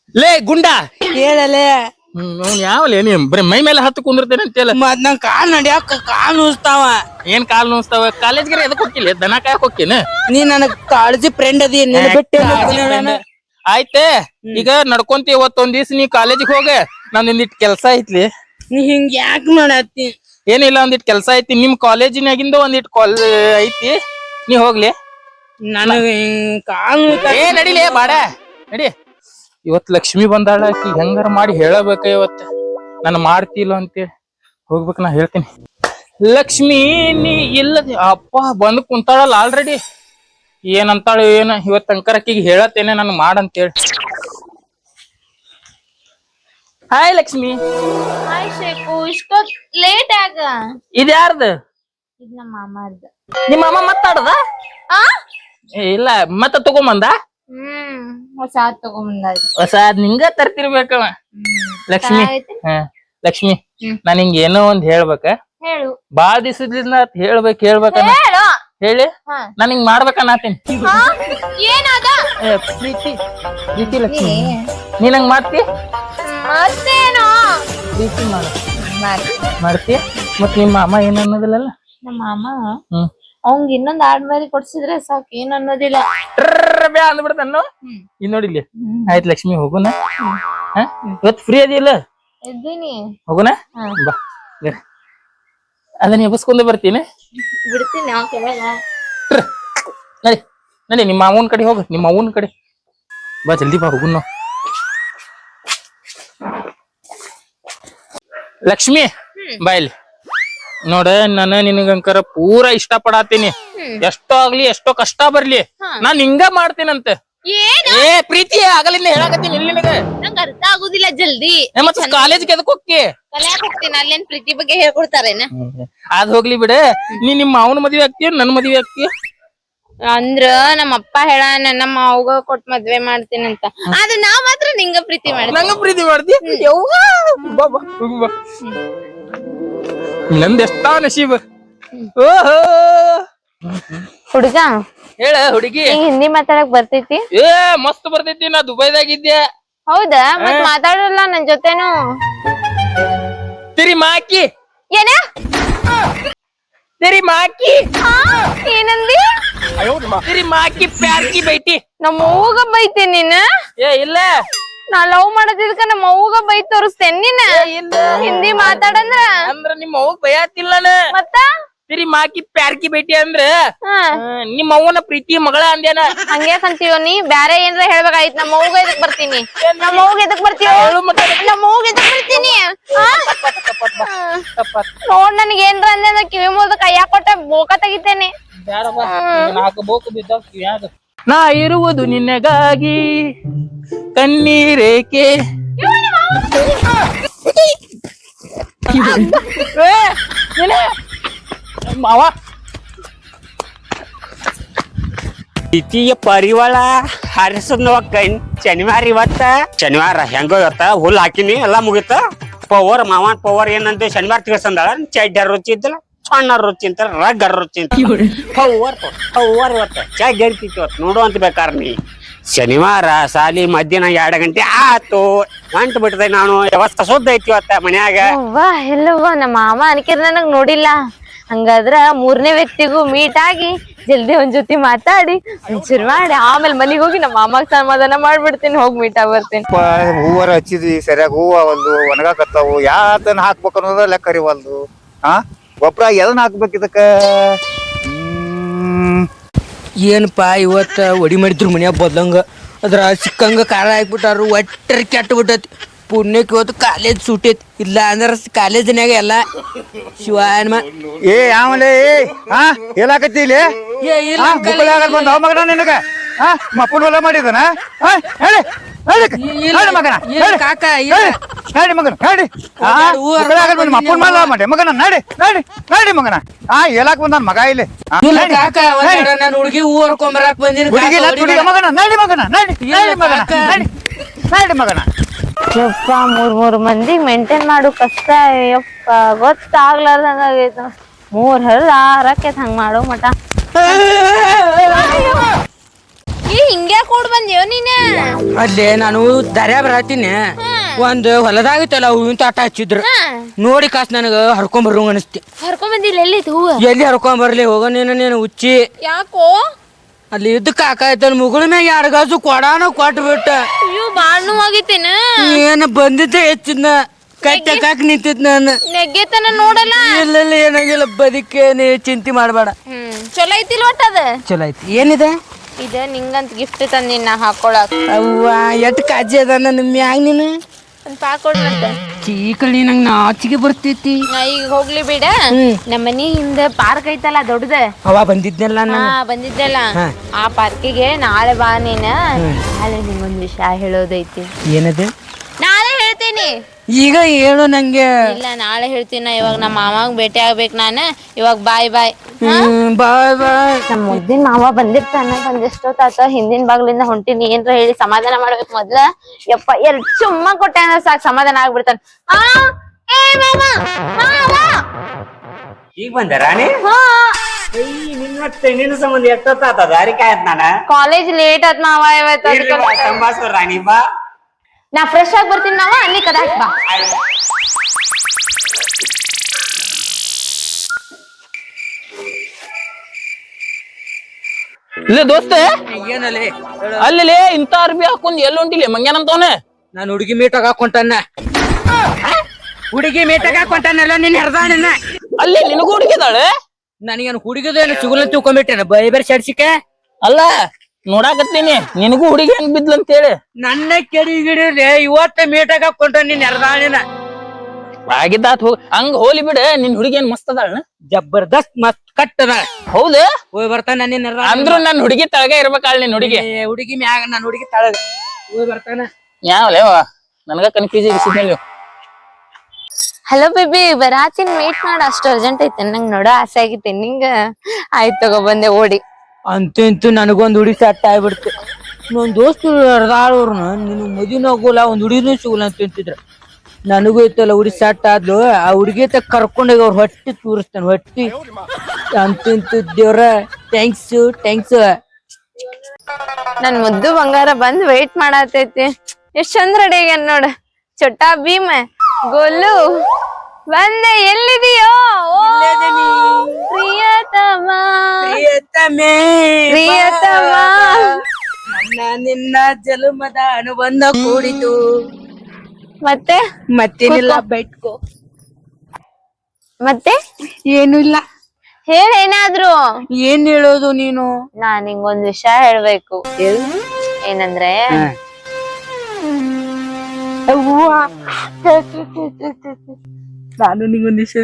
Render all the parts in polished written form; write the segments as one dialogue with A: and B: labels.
A: ಲೇ ಗುಂಡ
B: ಹೇಳಲೆ
A: ಯಾವಲೇ ನೀ ಬರೀ ಮೈ ಮೇಲೆ ಹತ್ತು ಕುಂದಿರ್ತೇನೆ ಅಂತೇಳ
B: ಮತ್ ನಂಗ್ ಕಾಲ್ ನಡ್ಯಾಕ ಕಾಲ್ ನುಸ್ತಾವ.
A: ಏನ್ ಕಾಲ್ ನೋಸ್ತಾವ ಕಾಲೇಜ್ಗೆ ಎದಕ್ ಹೋಗಿಲ್ಲ ದನ ಕಾಯಕ್ ಹೋಗ್ತೇನೆ
B: ನೀ ನನಗ್ ಕಾಳಜಿ ಫ್ರೆಂಡ್ ಅದಿ ನಿನ್ನ ಬಿಟ್ಟು
A: ಆಯ್ತೆ ಈಗ ನಡ್ಕೊಂತಿ ಇವತ್ತೊಂದ್ ದಿವ್ಸ ನೀ ಕಾಲೇಜಿಗೆ ಹೋಗ ನಂದ್ ಒಂದಿಟ್ ಕೆಲ್ಸ ಐತ್ಲಿ.
B: ನೀ ಹಿಂಗ್ ಯಾಕ್ ಮಾಡತ್ತಿ?
A: ಏನಿಲ್ಲ ಒಂದಿಟ್ ಕೆಲ್ಸ ಐತಿ ನಿಮ್ ಕಾಲೇಜಿನಾಗಿಂದ ಒಂದಿಟ್ ಐತಿ ನೀ ಹೋಗ್ಲಿ.
B: ನನಗ ಹಿಂಗ್ ಕಾಲ್
A: ಏ ನಡಿಲೇ ಬಾಡ ನಡಿ. ಇವತ್ ಲಕ್ಷ್ಮಿ ಬಂದಾಳ ಆಕಿ ಹೆಂಗಾರ ಮಾಡಿ ಹೇಳಬೇಕ ಇವತ್ತ ನಾನು ಮಾಡ್ತಿಲ್ಲ ಅಂತೇಳಿ ಹೋಗ್ಬೇಕು. ನಾ ಹೇಳ್ತೀನಿ ಲಕ್ಷ್ಮಿ ನೀ ಇಲ್ಲದ ಅಪ್ಪ ಬಂದ್ ಕುಂತಾಳಲ್ಲ ಆಲ್ರೆಡಿ ಏನಂತಾಳು ಏನ ಇವತ್ ಅಂಕರ್ ಅಕ್ಕಿಗೆ ಹೇಳತ್ತೇನೆ ನಾನು ಮಾಡಂತೇಳಿ. ಹಾಯ್ ಲಕ್ಷ್ಮಿ.
C: ಹಾಯ್ ಶೇಖು ಇಷ್ಟೊತ್ ಲೇಟ್ ಆಗ
A: ಇದ್ ಯಾರ್ದು?
C: ಇದ್ ನಮ್ಮ ಮಾಮಾರ್ದ.
A: ನಿಮ್ಮ ಅಮ್ಮ ಮತ್ತಾಡದ?
C: ಆ
A: ಇಲ್ಲ ಮತ್ತ ತಗೊಂಬಂದ
C: ಹೊಸ ತಗೊಂಬಂದಾಯ್ತು.
A: ಹೊಸ ನಿಂಗ ತರ್ತಿರ್ಬೇಕವ. ಲಕ್ಷ್ಮಿ ಹ ಲಕ್ಷ್ಮಿ ನಾನ್ ಹಿಂಗ ಏನೋ ಒಂದ್ ಹೇಳ್ಬೇಕ.
C: ಹೇಳು.
A: ಬಾಳ ದಿವಸದಿಂದ ಹೇಳ್ಬೇಕ
C: ಹೇಳು.
A: ಹೇಳಿ ನಾನ್ ಹಿಂಗ್ ಮಾಡ್ಬೇಕನ್ನತೀನಿ.
C: ಏನಾದ?
A: ಪ್ರೀತಿ ಪ್ರೀತಿ ಲಕ್ಷ್ಮಿ ನೀನ್ ಹಂಗ್ ಮಾಡ್ತಿ?
C: ಮತ್ತೇನು
A: ಪ್ರೀತಿ ಮಾಡ್ತಿ ಮತ್ ನಿಮ್ಮ ಅಮ್ಮ ಏನ್ ಅನ್ನೋದಿಲ್ಲ?
C: ನಮ್ಮ ಮಾಮ ಅವಂಗ ಇನ್ನೊಂದ್ ಆಡ್ಮರಿ ಕೊಡ್ಸಿದ್ರೆ ಸಾಕು ಏನ್ ಅನ್ನೋದಿಲ್ಲ.
A: ಬ್ಯಾ ಅಂದ್ಬಿಡ್ತಾನು. ಇನ್ ನೋಡಿಲ್ಲಿ ಆಯ್ತ್ ಲಕ್ಷ್ಮಿ ಹೋಗುನ. ಇವತ್ ಫ್ರೀ ಅದಿಲ್ಲ?
C: ಇದ್ದೀನಿ.
A: ಹೋಗುನ ಬಾ ಅದನ್ನ ಎಬಸ್ಕೊಂಡೆ ಬರ್ತೀನಿ.
C: ಬಿಡ್ತೀನಿ ಅವ್ ಕೆಳಗ.
A: ನಡಿ ನಡಿ ನಿಮ್ಮ ಅವನ ಕಡೆ ಹೋಗ. ನಿಮ್ಮ ಅವನ ಕಡೆ ಬಾ ಜಲ್ದಿ ಬಾ ಹೋಗುನ್ ನಾವು. ಲಕ್ಷ್ಮಿ ಬಾ ಇಲ್ಲಿ ನೋಡ ನಾನು ನಿನಗಂಕರ ಪೂರಾ ಇಷ್ಟ ಪಡಾತೀನಿ. ಎಷ್ಟೋ ಆಗ್ಲಿ ಎಷ್ಟೋ ಕಷ್ಟ ಬರ್ಲಿ ನಾನ್ ಹಿಂಗ ಮಾಡ್ತೀನಂತ. ಏ ಪ್ರೀತಿ ಆಗಲಿಂದ ಹೇಳಕತ್ತೀನಿ ಇಲ್ಲಿ ನಿನಗ.
C: ನಂಗೆ ಅರ್ಥ ಆಗುದಿಲ್ಲ ಜಲ್ದಿ.
A: ಮತ್ತ ಕಾಲೇಜ್ಗೆ ಎದಕ್ ಹೋಗ್ತಿ?
C: ಕಲ್ಯಾಕ್ ಹೋಗ್ತೀನಿ. ಅಲ್ಲೇನ್ ಪ್ರೀತಿ ಬಗ್ಗೆ ಹೇಳ್ಕೊಡ್ತಾರೇನ?
A: ಅದ್ ಹೋಗ್ಲಿ ಬಿಡ. ನೀ ನಿಮ್ಮ ಅವನ ಮದ್ವೆ ಆಗ್ತೀಯ ನನ್ ಮದ್ವೆ ಆಗ್ತೀಯ?
C: ಅಂದ್ರ ನಮ್ಮ ಅಪ್ಪ ಹೇಳ ನಮ್ಮ ಅವ್ಗ ಕೊಟ್ ಮದ್ವೆ ಮಾಡ್ತೀನಂತ. ಆದ್ರೆ ನಾ ಮಾತ್ರ ನಿಂಗ ಪ್ರೀತಿ ಮಾಡ್ತೀನಿ.
A: ನಂಗ ಪ್ರೀತಿ ಮಾಡ್ತಿ? ನಂದ ಎಷ್ಟಾ ನಸೀಬ. ಓಹೋ
C: ಹುಡುಗ
A: ಹೇಳ ಹುಡುಗಿ.
C: ಹಿಂದಿ ಮಾತಾಡಕ್ ಬರ್ತೈತಿ?
A: ಏ ಮಸ್ತ್ ಬರ್ತೈತಿ. ನಾ ದುಬೈದಾಗಿದ್ದೆ.
C: ಹೌದಾ? ಮತ್ ಮಾತಾಡಲ್ಲ ನನ್ ಜೊತೆನು?
A: ತಿರಿ ಮಾಕಿ
C: ಏನ
A: तेरी माँ की
C: ಏನಂದಿ?
A: तेरी माँ की प्यार की बेटी.
C: ನಮ್ಮ ಅವ್ವಗ ಬೈತೆ ನೀನ?
A: ಏ ಇಲ್ಲ
C: ನಾ ಲವ್ ಮಾಡದಿದ್ಕ ನಮ್ಮ ಅವ್ವಗ ಬೈ ತೋರಿಸ್ತೇನ್ ನೀನ? ಹಿಂದಿ ಮಾತಾಡಂದ್ರ
A: ಅಂದ್ರ ನಿಮ್ಮ ಅವ್ವ ಬೈಯಾತಿಲ್ಲನ.
C: ಮತ್ತ
A: तेरी माँ की प्यार की बेटी ಅಂದ್ರ ನಿಮ್ಮ ಅವ್ವನ ಪ್ರೀತಿ ಮಗಳ ಅಂದ್ಯಾನ.
C: ಹಂಗ್ಯಾಕಂತೀವ ನೀ? ಬ್ಯಾರೆ ಏನ್ರ ಹೇಳ್ಬೇಕಾಗಿತ್. ನಮ್ಮ ಅವ್ವಗ ಎದಕ್ ಬರ್ತೀನಿ? ನಮ್ಮ ಅವ್ವಗ ಎದಕ್ ಬರ್ತೀವ? ನಮ್ಮ ಅವ್ವಗ ಎದಕ್ ಬರ್ತೀನಿ? ನೋಡ್ ನನಗೆ ಏನ್ರ ಅಂದ್ರ ಕಿವಿ ಮುಳ್ದ ಕೈಯಾಗ ಕೊಟ್ಟ ಬೋಕ ತೆಗಿತೇನೆ.
A: ನಾ ಇರುವುದು ನಿನ್ನಗಾಗಿ ಕಣ್ಣೀರೇಕೆ. ಮಾವ
D: ಪ್ರೀತಿಯ ಪರಿವಾಳ ಹಾರಿಸದ್ ಶನಿವಾರ ಇವತ್ತ ಶನಿವಾರ ಹೆಂಗೋ ಇವತ್ತ ಹುಲ್ ಹಾಕಿನಿ ಎಲ್ಲಾ ಮುಗಿತ. ಪವರ್ ಮಾವನ್ ಪವರ್ ಏನಂತ ಶನಿವಾರ ತಿಳ್ಸಂದಾಳ. ಚಡ್ಡರ್ ರುಚಿ ಇದ್ದಲ್ಲ ಸಣ್ಣ ರುಚಿ ಅಂತಾರ ರಗ್ಗರ್ ರುಚಿ ಅಂತ ಪವರ್ ಪವರ್ ಇವತ್ತ ಚಾಯ್ ಗರಿತಿತ್ತು ಇವತ್ತು ನೋಡು ಅಂತ ಬೇಕಾರ ನೀ. ಶನಿವಾರ ಸಾಲಿ ಮಧ್ಯಾಹ್ನ 2 ಗಂಟೆ ಆತು ಗಂಟು ಬಿಟ್ಟದೆ. ನಾನು ವ್ಯವಸ್ಥೆ ಸುದ್ದ ಐತಿ ಇವತ್ತ ಮನ್ಯಾಗ.
C: ವಾ ಎಲ್ಲವ್ವ ನಮ್ಮ ಮಾಮ ಅನ್ಕಿರ್ ನನಗ್ ನೋಡಿಲ್ಲ. ಹಂಗಾದ್ರ 3ನೇ ವ್ಯಕ್ತಿಗೂ ಮೀಟ್ ಆಗಿ ಜಲ್ದಿ ಒಂದ್ ಜೊತೆ ಮಾತಾಡಿ ಶುರು ಮಾಡಿ ಆಮೇಲೆ ಮನಿಗ್ ಹೋಗಿ ನಮ್ಮ ಮಾಮಾಗ್ ಸಮಾಧಾನ ಮಾಡ್ಬಿಡ್ತೀನಿ. ಹೋಗಿ ಮೀಟ್ ಆಗಿ ಬರ್ತೀನಿ.
E: ಹೂವರ ಹಚ್ಚಿದ್ವಿ ಸರಿಯಾಗಿ ಹೂವ ಒಂದು ಒಣಗಾಕತ್ತಾವು. ಯಾತನ ಹಾಕ್ಬೇಕು ಅನ್ನೋದ ಲೆಕ್ಕ ಅರಿವಲ್ದು. ಗೊಬ್ಬರ ಎದನ್ನ ಹಾಕ್ಬೇಕು ಇದಕ್ಕ?
B: ಏನಪ್ಪಾ ಇವತ್ತ ಒಡಿ ಮಾಡಿದ್ರು ಮನ್ಯಾಗ ಬದ್ಲಂಗ ಅದ್ರ ಸಿಕ್ಕಂಗ ಖಾರ ಹಾಕ್ಬಿಟ್ಟಾರು. ಒಟ್ಟರ್ ಕೆಟ್ಟ ಬಿಟ್ಟೈತಿ. ಪುಣ್ಯಕ್ಕೆ ಇವತ್ತು ಕಾಲೇಜ್ ಸೂಟೈತಿ. ಇಲ್ಲ ಅಂದ್ರ ಕಾಲೇಜಿನಾಗ ಎಲ್ಲ ಶಿವಾಯನ್ಮ.
E: ಏ ಆಮೇಲೆ ಹೇಳಾಕತ್ತಿ ಇಲ್ಲಿ ಬಂದ ಮಗನ ನಿನಗ ಮಪ್ಪನ ಹೊಲ ಮಾಡಿದನ ಹೇಳಿ ಮಗನ
B: ಕಾಕ
E: ಹೇಳಿ ಮಗನ ಹೇಳಿ ಮಪ್ಪನ ಮಲ್ಲ ಮಾಡಿ ಮಗನ ನಡಿ ನಡಿ ನಡಿ ಮಗನ ಹೇಳಾಕ ಬಂದ ಮಗ ಇಲ್ಲಿ
B: ಕಾಕ ನಾನು ಹುಡುಗಿ ಹೂ ಹರ್ಕೊಂಬರಾಕ್ ಬಂದಿನಿ.
E: ಮಗನ ನಡಿ ಮಗನ ನಡಿ ನಡಿ ಮಗನ ನಡಿ ನಡಿ ಮಗನ.
C: ಯಪ್ಪ 3 ಮಂದಿಗ್ ಮೇಂಟೈನ್ ಮಾಡು ಕಷ್ಟ. ಯಪ್ಪ ಗೊತ್ತಾಗ್ಲಾರ್ದಂಗ ಆಗೈತ. 3 ಹರಿದ 6 ಆಕೇತ್ ಹಂಗ ಮಾಡೋ ಮಟ. ಹಿಂಗ್ಯಾ ಕೂಡ್ ಬಂದ್ಯೋ ನೀನ?
B: ಅಲ್ಲೇ ನಾನು ದರ್ಯಾ ಬರತ್ತೀನಿ ಒಂದ್ ಹೊಲದಾಗಿತ್ತಲ್ಲ ಹೂವಿನ ತೋಟ ಹಚ್ಚಿದ್ರು ನೋಡಿ ಕಾಸ್ ನನಗ ಹರ್ಕೊಂಡ್ ಬರು ಅನಿಸ್ತಿ.
C: ಹರ್ಕೊಂಡ್ ಬಂದಿಲ್ಲ ಎಲ್ಲಿ ಹೂವ?
B: ಎಲ್ಲಿ ಹರ್ಕೊಂಡ್ ಬರ್ಲಿ ಹೋಗ ನೀನು ಹುಚ್ಚಿ.
C: ಯಾಕೋ?
B: ಅಲ್ಲಿ ಇದ್ದ ಕಾಕ ಆಯ್ತಲ್ ಮುಗಳ ಮ್ಯಾಗ 2 ಗಾಜು ಕೊಡಾನ ಕೊಟ್ಟು ಬಿಟ್ಟ.
C: ಅಯ್ಯೋ ಬಾಳ್ ನೋವಾಗಿತ್ತೇನ?
B: ಏನ ಬಂದಿದ್ದೆ ಹೆಚ್ಚಿದ್ನ ಕಟ್ಟಾಕ ನಿಂತಿದ್ ನಾನು.
C: ನೆಗ್ಗೆತನ ನೋಡಲ್ಲ.
B: ಇಲ್ಲ ಏನಾಗಿಲ್ಲ ಬದಿಕೆ ನೀ ಚಿಂತೆ ಮಾಡ್ಬೇಡ.
C: ಚಲೋ ಐತಿಲ್ ಒಟ್ಟ ಅದ?
B: ಚಲೋ ಐತಿ. ಏನಿದೆ
C: ಇದ ನಿಂಗಂತ ಗಿಫ್ಟ್ ತಂದಿನ ಹಾಕೊಳಕ್.
B: ಅವ್ವ ಎಟ್ ಕಾಜಿ ಅದ ನನ್ನ ಮ್ಯಾಗ ನೀನು.
C: ಒಂದ್ ಪಾಕ್ ಕೊಡ್ಲಂತ.
B: ಚೀಕಳಿ ನಂಗೆ ನಾಚಿಗೆ ಬರ್ತೈತಿ.
C: ಈಗ ಹೋಗ್ಲಿ ಬಿಡ. ನಮ್ಮ ಮನಿ ಹಿಂದ ಪಾರ್ಕ್ ಐತಲ್ಲ ದೊಡ್ಡದ.
B: ಅವ ಬಂದಿದ್ನಲ್ಲ ನಾನು.
C: ಬಂದಿದ್ದಲ್ಲ ಆ ಪಾರ್ಕಿಗೆ ನಾಳೆ ಬಾ ನೀನ. ನಾಳೆ ನಿಂಗೊಂದ್ ವಿಷಯ ಹೇಳೋದೈತಿ.
B: ಏನದು?
C: ನಾಳೆ ಹೇಳ್ತೀನಿ.
B: ಈಗ ಹೇಳು ನಂಗೆ.
C: ಇಲ್ಲ ನಾಳೆ ಹೇಳ್ತೀನಿ. ಇವಾಗ ನಮ್ಮ ಮಾಮಾಗ್ ಭೇಟಿ ಆಗ್ಬೇಕು ನಾನು. ಇವಾಗ ಬಾಯ್ ಬಾಯ್.
B: ಬಾಯ್ ಬಾಯ್.
C: ನಮ್ಮ ಮುದ್ದಿನ ಮಾವ ಬಂದಿರ್ತಾನ. ಬಂದೆಷ್ಟೊತ್ತಾತ ಹಿಂದಿನ ಬಾಗ್ಲಿಂದ ಹೊಂಟಿನಿ. ಏನ್ರ ಹೇಳಿ ಸಮಾಧಾನ ಮಾಡ್ಬೇಕು ಮೊದ್ಲ. ಯಪ್ಪ 2 ಚುಮ್ಮ ಕೊಟ್ಟೆ ಅಂದ್ರೆ ಸಾಕು ಸಮಾಧಾನ ಆಗ್ಬಿಡ್ತಾನ.
D: ಈಗ ಬಂದ ರಾಣಿ? ನಿನ್ನ ಸಂಬಂಧ ಎಷ್ಟೊತ್ತಾತ ದಾರಿ ಕಾಯತ್ ನಾನ.
C: ಕಾಲೇಜ್ ಲೇಟ್ ಆತ್ ಮಾವ ಇವತ್ತು.
D: ಸಂಭಾಷಣ ರಾಣಿ ಬಾ.
C: ನಾ ಫ್ರೆಶ್ ಆಗಿ ಬರ್ತೀನಿ ಮಾವ. ಅಲ್ಲಿ ಕದಾಕ್ ಬಾ.
A: ಇಲ್ಲ ದೋಸ್ತ
B: ಏನಲ್ಲಿ
A: ಅಲ್ಲಿ ಇಂತ ಅರ್ಬಿ ಹಾಕೊಂಡ್ ಎಲ್ಲಿ ಹೊಂಟಿಲಿ ಮಂಗ್ಯಾನಂತವನ?
B: ನಾನು ಹುಡುಗಿ ಮೀಟಾಗ ಹಾಕೊಂಟಾನ. ಹುಡುಗಿ ಮೀಟಾಗ ಹಾಕೊಂಟಾನಲ್ಲ ನಿನ್ ಹರ್ದಾನ.
A: ಅಲ್ಲಿ ನಿನಗೂ ಹುಡುಗಿದಾಳೆ?
B: ನನಗೇನು ಹುಡುಗಿದೇನು ಸಿಗುಲ್ಲ ತಿಳ್ಕೊಂಡ್ಬಿಟ್ಟೇನ ಬೇರೆ ಶರ್ಸಿಕೆ.
A: ಅಲ್ಲ ನೋಡಾಕತ್ತೀನಿ ನಿನಗೂ ಹುಡುಗಿ ಹೆಂಗ್ ಬಿದ್ಲಂತೇಳಿ.
B: ನನ್ನ ಕೆಡಿಗಿಡಿಲೆ ಇವತ್ತ ಮೀಟಾಗ ಹಾಕೊಂಟ ನಿನ್ ಹರ್ದಾಣಿನ.
A: ಆಗಿದ್ದಾತ್ ಹೋಗ್ ಹಂಗ ಹೋಲಿ ಬಿಡ. ನಿನ್ ಹುಡುಗಿ ಏನ್ ಮಸ್ತ್ ಅದಾಳ?
B: ಜಬರ್ದಸ್ತ್ ಮಸ್ತ್ ಕಟ್ಟದ.
A: ಹೌದು
B: ಹೋಗಿ ಬರ್ತಾನ ನಿನ್
A: ಅಂದ್ರು ನನ್ ಹುಡುಗಿ ತಳಗ ಇರ್ಬೇಕಾಳ. ನಿನ್ ಹುಡುಗಿ
B: ಹುಡುಗಿ ಮ್ಯಾಗ ನನ್ ಹುಡುಗಿ ತಳಗ ಹೋಗಿ ಬರ್ತಾನ.
A: ಯಾವಲೇವ ನನಗ ಕನ್ಫ್ಯೂಸ್ ಆಗಿಸಿದ್ಮೇಲೆ.
C: ಹಲೋ ಬೇಬಿ ಬರಾತಿನ್ ಮೀಟ್ ಮಾಡ. ಅಷ್ಟು ಅರ್ಜೆಂಟ್ ಐತೆ ನಂಗೆ ನೋಡೋ ಆಸೆ ಆಗಿತ್ತೆ ನಿಂಗ. ಆಯ್ತು ತಗೋ ಬಂದೆ ಓಡಿ.
B: ಅಂತೂ ಇಂತೂ ನನಗೊಂದ್ ಹುಡುಗಿ ಸೆಟ್ ಆಗ್ಬಿಡ್ತು. ನನ್ ದೋಸ್ತು ಹರ್ದಾಳವ್ರನ್ನ ನಿನ್ ಮದುವೆ ಹೋಗೋಲ್ಲ ಒಂದ್ ಹುಡುಗಿನೂ ಸಿಗಲ್ಲ ಅಂತ ತಿಂತಿದ್ರ. ನನಗೂ ಇತ್ತಲ್ಲ ಹುಡುಗಿ ಸೆಟ್ ಆದ್ಲು. ಆ ಹುಡುಗಿ ಕರ್ಕೊಂಡೋಗಿ ಅವ್ರ ಹೊಟ್ಟಿ ತೂರಿಸ್ತಾನ ಹೊಟ್ಟಿ. ಅಂತೂ ಇಂತೂ ದೇವ್ರ ಥ್ಯಾಂಕ್ಸ್.
C: ನನ್ ಮುದ್ದು ಬಂಗಾರ ಬಂದ್ ವೇಟ್ ಮಾಡತೈತಿ. ಎಷ್ಟ್ ಚಂದ ರೆಡಿ ಆಗ್ಯಾನ ನೋಡ. ಚೊಟ್ಟಾ ಭೀಮ ಗೋಲು ಬಂದೆ. ಎಲ್ಲಿದೀಯೋ ಪ್ರಿಯತಮ ಪ್ರಿಯತಮ.
B: ನಿನ್ನ ಜಲಮದ ಅನುಬಂಧ ಕೂಡಿತು.
C: ಮತ್ತೇನಿಲ್ಲ
B: ಬೈಟ್ಕೋ.
C: ಮತ್ತೆ
B: ಏನು ಇಲ್ಲ.
C: ಹೇಳೇನಾದ್ರು.
B: ಏನ್ ಹೇಳೋದು ನೀನು?
C: ನಾನ್ ನಿಂಗೊಂದ್ ವಿಷಯ ಹೇಳ್ಬೇಕು. ಏನಂದ್ರೆ
B: ನಾನು ನಿಂಗೊಂದ್ ವಿಷಯ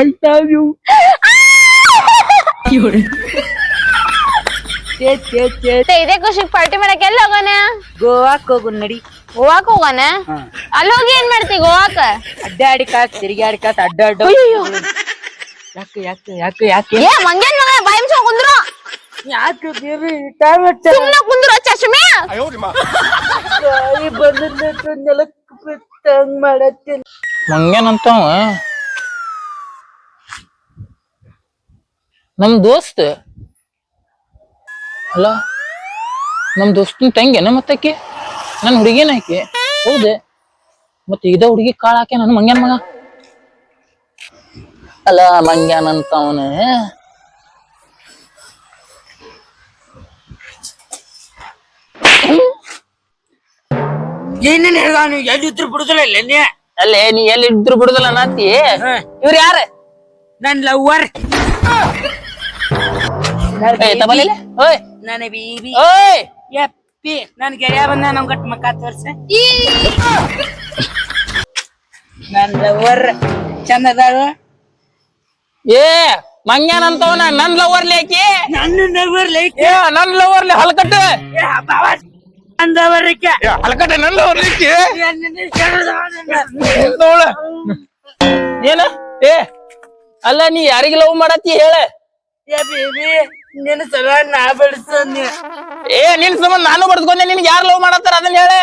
C: ಇದೇ ಖುಷಿಗ್ ಪಾರ್ಟಿ ಮಾಡಕ್ ಎಲ್ಲಿ ಹೋಗೋಣ?
B: ಗೋವಾಕ್ ಹೋಗು ನಡಿ.
C: ಗೋವಾಕ್ ಹೋಗೋಣ? ಅಲ್ಲಿ ಹೋಗಿ ಏನ್ ಮಾಡ್ತಿ ಗೋವಾಕ?
B: ಅಡ್ಡಾಡಿ ಕಾಸ್ ತಿರುಗಾಡಿ ಕಾಸ್ ಅಡ್ಡಾಡ. ಯಾಕೆ
C: ಏ ಮಂಗ್ಯಾನ್ ಮಗ ಬಾಯಿ ಮುಚ್ಕೊಂಡ್ ಕುಂದ್ರು.
B: ಯಾಕೆ ಬೇರೆ
C: ಸುಮ್ನೆ ಕುಂದ್ರು ಚಶ್ಮೆ.
B: ನೆಲಕ್ ಮಾಡತ್ತೇನೆ.
A: ಮಂಗ್ಯಾನಂತವ ನಮ್ ದೋಸ್ತ್ ಅಲ್ಲ. ನಮ್ ದೋಸ್ತನ್ ತಂಗೇನ ಮತ್ತಕ್ಕೆ ನನ್ ಹುಡುಗಿನ ಆಕಿ. ಹೌದೆ ಮತ್ತ ಇದ ಹುಡುಗಿ ಕಾಳ ಹಾಕಿ ನನ್ ಮಂಗ್ಯಾನ ಮಗ ಅಲ್ಲ. ಮಂಗ್ಯಾನಂತವನ
B: ಏನೇನ್ ಹೇಳ್ದ ನೀವು? ಎಲ್ಲಿದ್ರು ಬಿಡುದಿಲ್ಲ ಇಲ್ಲ.
A: ಅಲ್ಲೇ ನೀ ಎಲ್ಲಿ ಇದ್ರು ಬಿಡುದಲ್ಲ ನಾತಿ. ಇವ್ರ ಯಾರ?
B: ನನ್ ಲವ್ವರ್.
A: ಓಯ್
B: ನನ್ನ ಬೀಬಿ.
A: ಓಯ್
B: ಯಪ್ಪಿ ನನ್ ಗೆಳೆಯ ಬಂದ ನಮ್ ಗಟ್ ಮಕ್ಕ ತೋರ್ಸ. ನನ್ ಲವ್ವರ್ ಚಂದದಾಳ.
A: ಏ ಮಂಗ್ಯಾನಂತವನ ನನ್ ಲವರ್ಲಿ ಆಕಿ.
B: ನನ್ನ ಲವ್ವರ್ ಲೈಕ್
A: ನನ್ ಲವರ್ಲಿ ಹಲ್ಕಟ್ಟ
B: ಅಂದವರಕ್ಕೆ
A: ಹಲ್ಕಟ್ಟ ನನ್ ಲವರ್ಲಿ ನೋಡ ಏನ. ಏ ಅಲ್ಲ ನೀ ಯಾರಿಗ ಲವ್ ಮಾಡತ್ತಿ ಹೇಳ.
B: ಬೇಬಿ ನಿನ್ನ ಸಲ ನಾ ಬೆಳೆಸ್ತೀನಿ.
A: ಏ ನಿನ್ ಸಂಬಂಧ ನಾನು ಬಡ್ಸ್ಕೊಂಡೆ. ನಿನ್ಗೆ ಯಾರು ಲವ್ ಮಾಡತ್ತಾರ ಅದನ್ನ ಹೇಳೆ.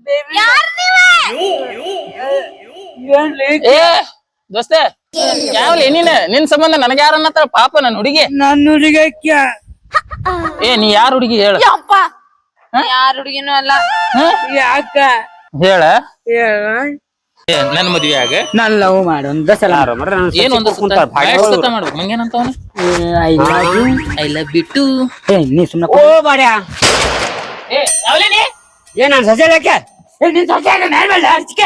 A: ಏ ದೋಸ್ತ ಯಾವಲಿ ನೀನ್ ನಿನ್ ಸಂಬಂಧ ನನಗ ಯಾರ ಅನ್ನತ್ತಾರ ಪಾಪ ನನ್ ಹುಡುಗಿ.
B: ನನ್ನ ಹುಡುಗಿ
A: ಏ ನೀ ಯಾರ ಹುಡುಗಿ ಹೇಳ.
C: ಯಾರ ಹುಡುಗಿನೂ ಅಲ್ಲ.
B: ಯಾಕ
A: ಹೇಳ
B: ಹೇಳ
A: ನನ್ ಮದ್ವೆ ಆಗ
B: ನಾನ್ ಲವ್ ಮಾಡು ಒಂದ ಸಲ
A: ಏನ್ ಒಂದು ಮಾಡ್ಬೇಕು ಮಂಗೇನಂತ ಅವನು
B: I love you
A: I love you too.
B: ನೀ ಸುಮ್ಮನೆ
D: ಓ ಬಾಡ್ಯಾ ಏನ್ ನನ್ ಸಜೆ ಲೆಕ್ಕ
B: ನಿನ್ ಸೊಸೆ ನಾರ್ಮಲ್ ಅರ್ಚಿಕೆ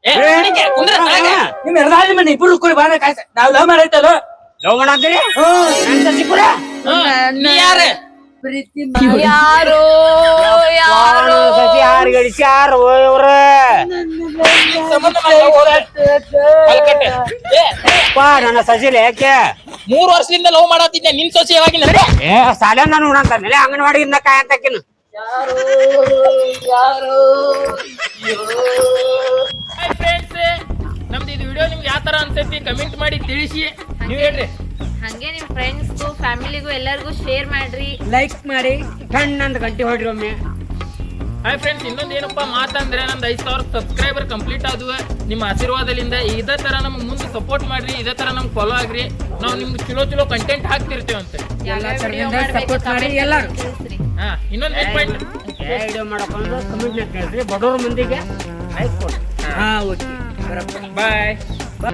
B: ನಿಮ್ ಎರಡಾಳಿ ಮನೆ ಇಬ್ರು ಕೂಡಿ ಬಾರ ಕಾಯ್ಸ ನಾವ್ ಲವ್ ಮಾಡೈತಲ್ಲ
D: ಲವ್ ಮಾಡಂತೀರಿ ನನ್ ಸಸಿ ಕೂಡ
A: ಯಾರ
C: ಯಾರೋ ಯಾರೋ
D: ಸಸಿ ಯಾರು ಗಳಿಸ್ಯಾರ ಇವ್ರ ನನ್ನ ಸಸಿಲೆ ಯಾಕೆ
A: 3 ವರ್ಷದಿಂದ ಲವ್ ಮಾಡತ್ತಿದ್ದೆ ನಿನ್ ಸೊಸೆ ಯಾವಾಗಿನ ನಡೆ
D: ಏ ಸಾಲ ನಾನು ನೋಡಂತಾನೆ ಅಂಗನವಾಡಿಯಿಂದ ಕಾಯಂತಕಿನ
A: ಫ್ರೆಂಡ್ಸ್ ನಮ್ದು ಇದು ವಿಡಿಯೋ ನಿಮ್ಗೆ ಯಾವ ತರ ಅನ್ಸೈತಿ ಕಮೆಂಟ್ ಮಾಡಿ ತಿಳಿಸಿ ನೀವ್ ಹೇಳ್ರಿ.
C: ಹಂಗೆ ನಿಮ್ ಫ್ರೆಂಡ್ಸ್ಗೂ ಫ್ಯಾಮಿಲಿಗೂ ಎಲ್ಲರಿಗೂ ಶೇರ್ ಮಾಡ್ರಿ.
B: ಲೈಕ್ ಮಾಡಿ
D: ಕಣ್ಣಂತ ಗಂಟೆ ಹೊಡ್ರಿ ಒಮ್ಮೆ.
A: ಹಾಯ್ ಫ್ರೆಂಡ್ಸ್ ಇನ್ನೊಂದು ಏನಪ್ಪಾ ಮಾತಂದ್ರೆ ನಂದು 5,000 ಸಬ್ಸ್ಕ್ರೈಬರ್ ಕಂಪ್ಲೀಟ್ ಆದ್ವು ನಿಮ್ಮ ಆಶೀರ್ವಾದದಿಂದ. ಇದೇ ತರ ನಮ್ಗೆ ಮುಂದೆ ಸಪೋರ್ಟ್ ಮಾಡ್ರಿ, ಇದೇ ತರ ನಮ್ಗೆ ಫಾಲೋ ಆಗ್ರಿ. ನಾವು ನಿಮ್ಗೆ ಚಲೋ ಕಂಟೆಂಟ್ ಹಾಕ್ತಿರ್ತೇವಂತೆ.
B: ಸಪೋರ್ಟ್ ಮಾಡಿ ಎಲ್ಲಾರು.
A: ಹಾ ಇನ್ನೊಂದು ಪಾಯಿಂಟ್
D: ವಿಡಿಯೋ ಮಾಡಕೊಂಡು ಕಮೆಂಟ್ ಕೇಳ್ರಿ ಬಡವ್ರ ಮಂದಿಗೆ ಲೈಕ್ ಕೊಡ್ರಿ.
B: ಹಾ ಓಕೆ
A: ಬಾಯ್.